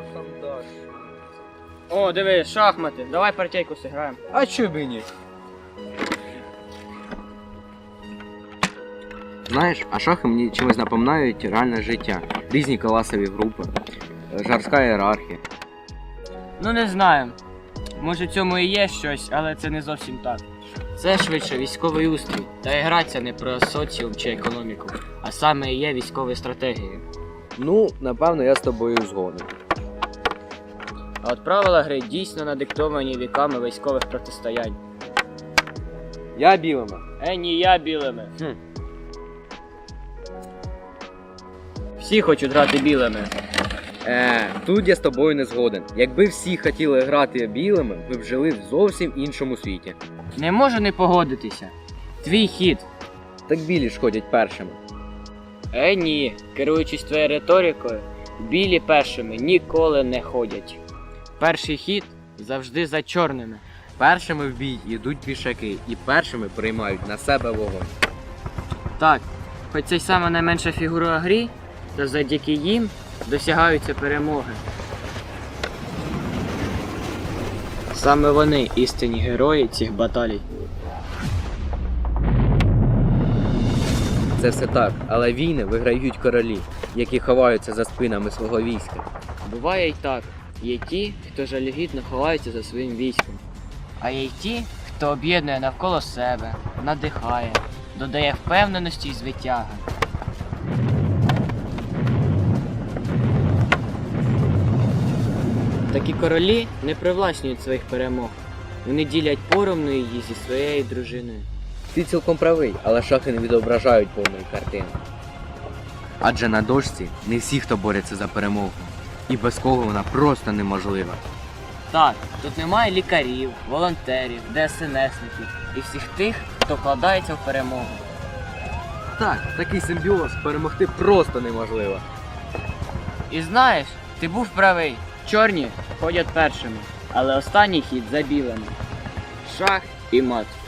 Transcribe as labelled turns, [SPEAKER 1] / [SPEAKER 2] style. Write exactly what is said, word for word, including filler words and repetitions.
[SPEAKER 1] шахом даш?
[SPEAKER 2] О, диви, шахмати. Давай партійку зіграємо.
[SPEAKER 1] А чо б і ні?
[SPEAKER 3] Знаєш, а шахи мені чимось напоминають реальне життя. Різні класові групи, жорстка ієрархія.
[SPEAKER 2] Ну не знаю. Може в цьому і є щось, але це не зовсім так. Це швидше військовий устрій. Та і граця не про соціум чи економіку, а саме і є військовою стратегією.
[SPEAKER 3] Ну, напевно, я з тобою згоден.
[SPEAKER 2] А от правила гри дійсно надиктовані віками військових протистоянь.
[SPEAKER 3] Я білими.
[SPEAKER 2] Е, ні, я білими.
[SPEAKER 3] Хм.
[SPEAKER 2] Всі хочуть грати білими.
[SPEAKER 3] Е, тут я з тобою не згоден. Якби всі хотіли грати білими, ви б жили в зовсім іншому світі.
[SPEAKER 2] Не можу не погодитися. Твій хід.
[SPEAKER 3] Так білі ж ходять першими.
[SPEAKER 2] Е, ні, керуючись твоєю риторикою, білі першими ніколи не ходять. Перший хід завжди за чорними.
[SPEAKER 3] Першими в бій йдуть пішаки і першими приймають на себе вогонь.
[SPEAKER 2] Так, хоч це й саме найменша фігура у грі, то завдяки їм досягаються перемоги. Саме вони істинні герої цих баталій.
[SPEAKER 3] Це все так, але війни виграють королі, які ховаються за спинами свого війська.
[SPEAKER 2] Буває й так. Є ті, хто жалюгідно ховається за своїм військом. А є й ті, хто об'єднує навколо себе, надихає, додає впевненості й звитяги. Такі королі не привласнюють своїх перемог. Вони ділять поровну її зі своєю дружиною.
[SPEAKER 3] Ти цілком правий, але шахи не відображають повної картини. Адже на дошці не всі, хто бореться за перемогу. І без кого вона просто неможлива.
[SPEAKER 2] Так, тут немає лікарів, волонтерів, ДСНСників і всіх тих, хто вкладається в перемогу.
[SPEAKER 3] Так, такий симбіоз перемогти просто неможливо.
[SPEAKER 2] І знаєш, ти був правий. Чорні ходять першими, але останній хід за білими. Шах і мат.